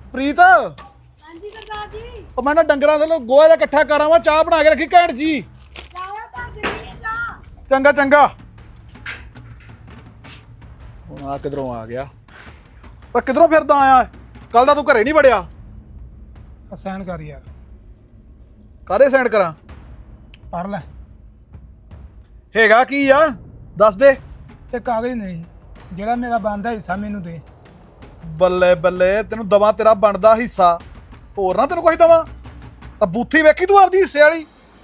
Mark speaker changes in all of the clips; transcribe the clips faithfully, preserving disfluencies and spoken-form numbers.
Speaker 1: ਪ੍ਰੀਤ
Speaker 2: ਹਾਂਜੀ ਸਰਦਾਰ ਜੀ।
Speaker 1: ਉਹ ਮੈਂ ਨਾ ਡੰਗਰਾਂ ਦੇ ਲੋ ਗੋਹਾ ਜਿਹਾ ਇਕੱਠਾ ਕਰਾਂ ਵਾ ਚਾਹ ਬਣਾ ਕੇ ਰੱਖੀ ਘੈਂਟ ਜੀ।
Speaker 2: ਚਾਇਆ ਕਰ ਦਿੰਦੀ ਚਾਹ।
Speaker 1: ਚੰਗਾ ਚੰਗਾ। ਹੁਣ ਆ ਕਿਧਰੋਂ ਆ ਗਿਆ? ਪਰ ਕਿਧਰੋਂ ਫਿਰਦਾ ਆਇਆ? ਕੱਲ ਦਾ ਤੂੰ ਘਰੇ ਨਹੀਂ ਵੜਿਆ।
Speaker 3: ਸਾਈਨ ਕਰ ਯਾਰ।
Speaker 1: ਕਾਹਦੇ ਸੈਂਡ ਕਰਾਂ?
Speaker 3: ਪੜ ਲੈ।
Speaker 1: ਹੈਗਾ ਕੀ ਆ ਦੱਸ ਦੇ।
Speaker 3: ਤੇ ਕਾਗਜ਼ ਨਹੀਂ ਜਿਹੜਾ ਮੇਰਾ ਬਣਦਾ ਹਿੱਸਾ ਮੈਨੂੰ ਦੇ।
Speaker 1: ਬੱਲੇ ਬੱਲੇ ਤੈਨੂੰ ਦਵਾ ਤੇਰਾ ਬਣਦਾ ਹਿੱਸਾ, ਹੋਰ ਨਾ ਤੈਨੂੰ ਕੁਝ ਦਵਾ ਤਾਂ ਬੂਥੀ ਵੇਖੀ ਤੂੰ ਆਪਦੀ ਹਿੱਸੇ ਵਾਲੀ।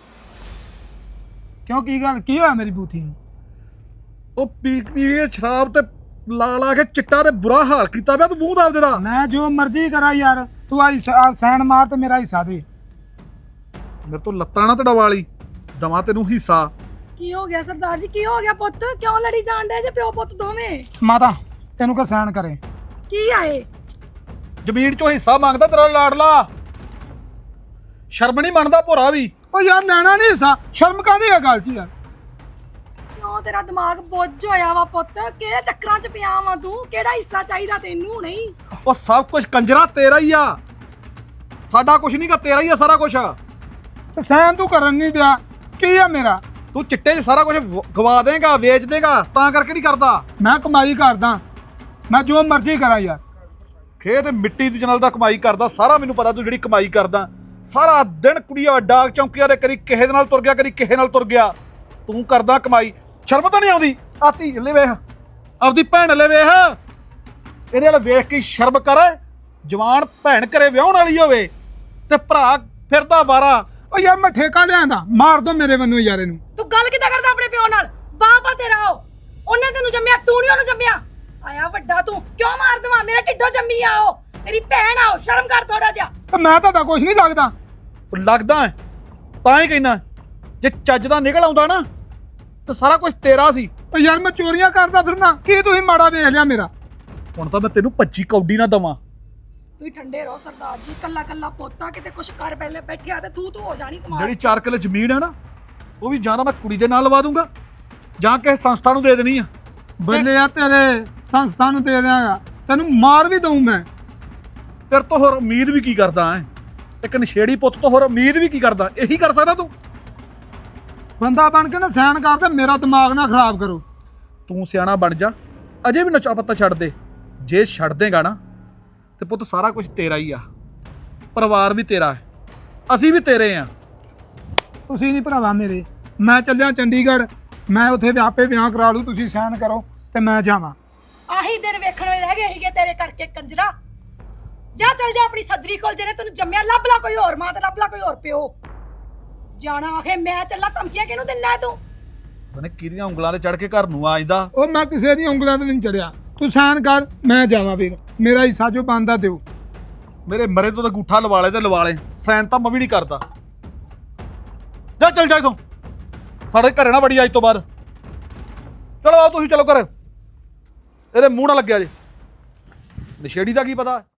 Speaker 3: ਕਿਉਂ ਕੀ ਗੱਲ ਕੀ ਹੋਇਆ ਮੇਰੀ ਬੂਥੀ ਨੂੰ?
Speaker 1: ਉਹ ਪੀ ਪੀ ਕੇ ਸ਼ਰਾਬ ਤੇ ਲਾ ਲਾ ਕੇ ਚਿੱਟਾ ਤੇ ਬੁਰਾ ਹਾਲ ਕੀਤਾ ਪਿਆ ਤੂੰ ਮੂੰਹ ਦਾ ਆਪਦੇ ਦਾ।
Speaker 3: ਮੈਂ ਜੋ ਮਰਜ਼ੀ ਕਰਾਂ ਯਾਰ, ਤੂੰ ਆ ਸਾਈਨ ਮਾਰ ਤੇ ਮੇਰਾ ਹਿੱਸਾ ਦੇ।
Speaker 1: ਮੇਰੇ ਤੋਂ ਲੱਤਾਂ ਨਾ ਤੜਵਾ ਲਈ, ਦਵਾ ਤੈਨੂੰ ਹਿੱਸਾ।
Speaker 2: ਕੀ ਹੋ ਗਿਆ ਸਰਦਾਰ ਜੀ? ਕੀ ਹੋ ਗਿਆ ਪੁੱਤ? ਕਿਉਂ ਲੜੀ ਜਾਣ ਡੇ ਜੇ ਪਿਓ ਪੁੱਤ ਦੋਵੇਂ?
Speaker 3: ਮਾਤਾ ਤੈਨੂੰ ਕਹ ਸਾਈਨ ਕਰੇ।
Speaker 2: ਕੀ ਆਏ?
Speaker 1: ਜ਼ਮੀਨ ਚੋਂ ਹਿੱਸਾ ਮੰਗਦਾ ਤੇਰਾ ਲਾਡਲਾ। ਸ਼ਰਮ ਨਹੀਂ ਮੰਨਦਾ ਭੋਰਾ ਵੀ।
Speaker 3: ਉਹ ਯਾਰ ਲੈਣਾ ਨਹੀਂ ਹਿੱਸਾ, ਸ਼ਰਮ ਕਾਹਦੀ ਆ ਗੱਲ 'ਚ ਯਾਰ?
Speaker 2: ਕਿਉਂ ਤੇਰਾ ਦਿਮਾਗ ਬੁੱਝ ਹੋਇਆ ਵਾ ਪੁੱਤ? ਕਿਹੜੇ ਚੱਕਰਾਂ 'ਚ ਪਿਆ ਵਾ ਤੂੰ? ਕਿਹੜਾ ਹਿੱਸਾ ਚਾਹੀਦਾ ਤੈਨੂੰ? ਨਹੀਂ
Speaker 1: ਉਹ ਸਭ ਕੁਝ ਕੰਜਰਾ ਤੇਰਾ ਹੀ ਆ, ਸਾਡਾ ਕੁਝ ਨਹੀਂਗਾ, ਤੇਰਾ ਹੀ ਆ ਸਾਰਾ ਕੁਝ।
Speaker 3: ਤੇ ਸਾਈਨ ਤੂੰ ਕਰਨ ਨਹੀਂ ਦਿਆ, ਕੀ ਆ ਮੇਰਾ?
Speaker 1: ਤੂੰ ਚਿੱਟੇ 'ਚ ਸਾਰਾ ਕੁਝ ਗਵਾ ਦੇਗਾ, ਵੇਚ ਦੇਗਾ, ਤਾਂ ਕਰਕੇ ਨਹੀਂ ਕਰਦਾ।
Speaker 3: ਮੈਂ ਕਮਾਈ ਕਰਦਾ, ਮੈਂ ਜੋ ਮਰਜ਼ੀ ਕਰਾਂ ਯਾਰ।
Speaker 1: ਖੇਤ ਮਿੱਟੀ ਦੀ ਜਨਲ ਦਾ ਕਮਾਈ ਕਰਦਾ, ਸਾਰਾ ਮੈਨੂੰ ਪਤਾ ਤੂੰ ਜਿਹੜੀ ਕਮਾਈ ਕਰਦਾ। ਸਾਰਾ ਦਿਨ ਕੁੜੀਆਂ ਡਾਕ ਚੌਂਕੀਆਂ ਦੇ ਕਰੀ ਕਿਸੇ ਦੇ ਨਾਲ ਤੁਰ ਗਿਆ, ਕਰੀ ਕਿਸੇ ਨਾਲ ਤੁਰ ਗਿਆ, ਤੂੰ ਕਰਦਾ ਕਮਾਈ। ਸ਼ਰਮ ਤਾਂ ਨਹੀਂ ਆਉਂਦੀ? ਆਤੀ ਲੈ ਵੇਖ ਆਪਦੀ ਭੈਣ ਲੈ ਵੇਖ, ਇਹਦੇ ਨਾਲ ਵੇਖ ਕੇ ਸ਼ਰਮ ਕਰ। ਜਵਾਨ ਭੈਣ ਘਰੇ ਵਿਆਹਣ ਵਾਲੀ ਹੋਵੇ ਤੇ ਭਰਾ ਫਿਰਦਾ ਵਾਰਾ।
Speaker 3: ਉਹ ਯਾਰ ਮੈਂ ਠੇਕਾ ਲਿਆਂਦਾ, ਮਾਰ ਦੋ ਮੇਰੇ ਵੱਲੋਂ ਯਾਰ ਇਹਨੂੰ।
Speaker 2: ਤੂੰ ਗੱਲ ਕਿੱਦਾਂ ਕਰਦਾ ਆਪਣੇ ਪਿਓ ਨਾਲ? ਬਾਪਾ ਤੇਰਾ ਉਹ, ਉਹਨੇ ਤੈਨੂੰ ਜੰਮਿਆ, ਤੂੰ ਨਹੀਂ ਉਹਨੂੰ ਜੰਮਿਆ। ਆਇਆ ਵੱਡਾ ਤੂੰ, ਕਿਉਂ ਮਾਰ ਦਵਾ? ਮੇਰੇ ਢਿੱਡੋਂ ਜੰਮੀ ਆ ਉਹ, ਤੇਰੀ ਭੈਣ ਆ ਉਹ। ਸ਼ਰਮ ਕਰ ਥੋੜਾ ਜਿਹਾ।
Speaker 3: ਤੇ ਮੈਂ ਤੁਹਾਡਾ ਕੁਝ ਨਹੀਂ ਲੱਗਦਾ।
Speaker 1: ਲੱਗਦਾ ਹੈ, ਤਾਂ ਹੀ ਕਹਿਣਾ ਜੇ ਚੱਜ ਦਾ ਨਿਕਲ ਆਉਂਦਾ ਨਾ ਤੇ ਸਾਰਾ ਕੁਝ ਤੇਰਾ ਸੀ।
Speaker 3: ਉਹ ਯਾਰ ਮੈਂ ਚੋਰੀਆਂ ਕਰਦਾ ਫਿਰਨਾ, ਕੀ ਤੁਸੀਂ ਮਾੜਾ ਵੇਖ ਲਿਆ ਮੇਰਾ?
Speaker 1: ਹੁਣ ਤਾਂ ਮੈਂ ਤੈਨੂੰ ਪੱਚੀ ਕੌਡੀ ਨਾ ਦਵਾਂ।
Speaker 2: ਤੁਸੀਂ ਠੰਡੇ ਰਹੋ ਸਰਦਾਰ ਜੀ। ਕੱਲਾ ਕੱਲਾ ਪੋਤਾ, ਕਿਤੇ ਕੁਛ ਕਰ ਪਹਿਲੇ ਬੈਠਿਆ ਤੇ ਤੂੰ ਤੂੰ ਹੋ ਜਾਣੀ ਸਮਾਨ।
Speaker 1: ਜਿਹੜੀ ਚਾਰ ਕਿੱਲੇ ਜ਼ਮੀਨ ਹੈ ਨਾ, ਉਹ ਵੀ ਜਾਂ ਤਾਂ ਮੈਂ ਕੁੜੀ ਦੇ ਨਾਲ ਲਵਾ ਦੂੰਗਾ ਜਾਂ ਕਿਸੇ ਸੰਸਥਾ ਨੂੰ ਦੇ ਦੇਣੀ ਆ।
Speaker 3: ਬੱਲੇ ਆ ਤੇਰੇ, ਸੰਸਥਾ ਨੂੰ ਦੇ ਦਿਆਂਗਾ, ਤੈਨੂੰ ਮਾਰ ਵੀ ਦਊਂ ਮੈਂ।
Speaker 1: ਤੇਰੇ ਤੋਂ ਹੋਰ ਉਮੀਦ ਵੀ ਕੀ ਕਰਦਾ ਹੈ? ਇੱਕ ਨਸ਼ੇੜੀ ਪੁੱਤ ਤੋਂ ਹੋਰ ਉਮੀਦ ਵੀ ਕੀ ਕਰਦਾ? ਇਹੀ ਕਰ ਸਕਦਾ ਤੂੰ।
Speaker 3: ਬੰਦਾ ਬਣ ਕੇ ਨਾ ਸਾਈਨ ਕਰ ਤੇ ਮੇਰਾ ਦਿਮਾਗ ਨਾ ਖਰਾਬ ਕਰੋ।
Speaker 1: ਤੂੰ ਸਿਆਣਾ ਬਣ ਜਾ, ਅਜੇ ਵੀ ਨਸ਼ਾ ਪੱਤਾ ਛੱਡ ਦੇ। ਜੇ ਛੱਡ ਦੇਗਾ ਨਾ ਤੇ ਪੁੱਤ ਸਾਰਾ ਕੁਝ ਤੇਰਾ ਹੀ ਆ, ਪਰਿਵਾਰ ਵੀ ਤੇਰਾ ਹੈ, ਅਸੀਂ ਵੀ ਤੇਰੇ ਆ।
Speaker 3: ਤੁਸੀਂ ਨਹੀਂ ਭਰਾਵਾ ਮੇਰੇ। ਮੈਂ ਚੱਲਿਆ ਚੰਡੀਗੜ੍ਹ, ਮੈਂ ਉੱਥੇ ਆਪੇ ਵਿਆਹ ਕਰਾ ਲੂ, ਤੁਸੀਂ ਸਾਈਨ ਕਰੋ ਤੇ ਮੈਂ ਜਾਵਾਂ।
Speaker 2: ਆਹੀ ਦਿਨ ਵੇਖਣ ਵਾਲੇ ਰਹਿ ਗਏ ਸੀਗੇ ਤੇਰੇ ਕਰਕੇ ਕੰਜਰਾ। ਜਾ ਚੱਲ ਜਾ ਆਪਣੀ ਸੱਜਰੀ ਕੋਲ, ਜਿਹਨੇ ਤੈਨੂੰ ਜੰਮਿਆ। ਲੱਭ ਲਾ ਕੋਈ ਹੋਰ ਮਾਂ ਤੇ ਲੱਭ ਲਾ ਕੋਈ ਹੋਰ ਪਿਓ। ਜਾਣਾ ਆਖੇ ਮੈਂ ਚੱਲਾਂ, ਧਮਕੀਆਂ ਕਿਹਨੂੰ ਦਿੰਦਾ ਤੂੰ?
Speaker 1: ਉਹਨੇ ਕਿਹਦੀਆਂ ਉਂਗਲਾਂ ਤੇ ਚੜ ਕੇ ਘਰ ਨੂੰ ਆ ਜਾਂਦਾ।
Speaker 3: ਉਹ ਮੈਂ ਕਿਸੇ ਦੀਆਂ ਉਂਗਲਾਂ ਤੇ ਨਹੀਂ ਚੜਿਆ, ਤੂੰ ਸਾਈਨ ਕਰ ਮੈਂ ਜਾਵਾਂ ਵੀਰ। ਮੇਰਾ ਹਿੱਸਾ ਜੋ ਬਣਦਾ ਦਿਓ।
Speaker 1: ਮੇਰੇ ਮਰੇ ਤੋਂ ਤਾਂ ਗੂਠਾ ਲਵਾ ਲੈ ਤੇ ਲਵਾ ਲੈ, ਸਾਈਨ ਤਾਂ ਮੈਂ ਵੀ ਨਹੀਂ ਕਰਦਾ। ਜਾ ਚੱਲ ਜਾ ਇਥੋਂ, ਸਾਡੇ ਘਰੇ ਨਾ ਵੜੀ ਅੱਜ ਤੋਂ ਬਾਅਦ। ਚਲੋ ਆਓ ਤੁਸੀਂ, ਚਲੋ ਘਰ। ਇਹਦੇ ਮੂੰਹ ਨਾ ਲੱਗਿਆ ਜੇ, ਨਸ਼ੇੜੀ ਦਾ ਕੀ ਪਤਾ।